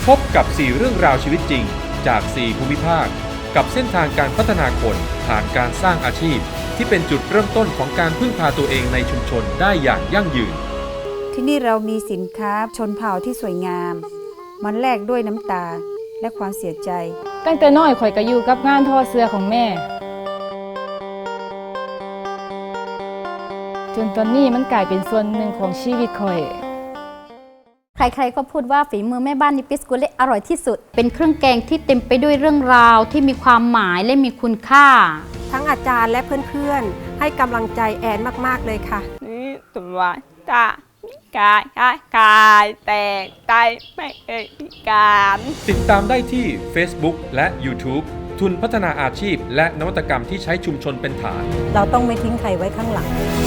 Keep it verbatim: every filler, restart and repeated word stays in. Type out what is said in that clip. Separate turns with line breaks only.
พบกับสี่เรื่องราวชีวิตจริงจากสี่ภูมิภาคกับเส้นทางการพัฒนาคนผ่านการสร้างอาชีพที่เป็นจุดเริ่มต้นของการพึ่งพาตัวเองในชุมชนได้อย่างยั่งยืน
ที่นี่เรามีสินค้าชนเผ่าที่สวยงามมันแลกด้วยน้ำตาและความเสียใจ
ตั้งแต่น้อยข่อยก็อยู่กับงานทอเสื้อของแม่จนตอนนี้มันกลายเป็นส่วนหนึ่งของชีวิตข่อย
ใครๆก็พูดว่าฝีมือแม่บ้านนิปิสกุเล่อร่อยที่สุดเป็นเครื่องแกงที่เต็มไปด้วยเรื่องราวที่มีความหมายและมีคุณค่า
ทั้งอาจารย์และเพื่อนๆให้กำลังใจแอนมากๆเลยค่ะ
นี่ตัวจ้ากายกายกายแต่ใจไม่เคยพิการ
ติดตามได้ที่ Facebook และ YouTube ทุนพัฒนาอาชีพและนวัตกรรมที่ใช้ชุมชนเป็นฐาน
เราต้องไม่ทิ้งใครไว้ข้างหลัง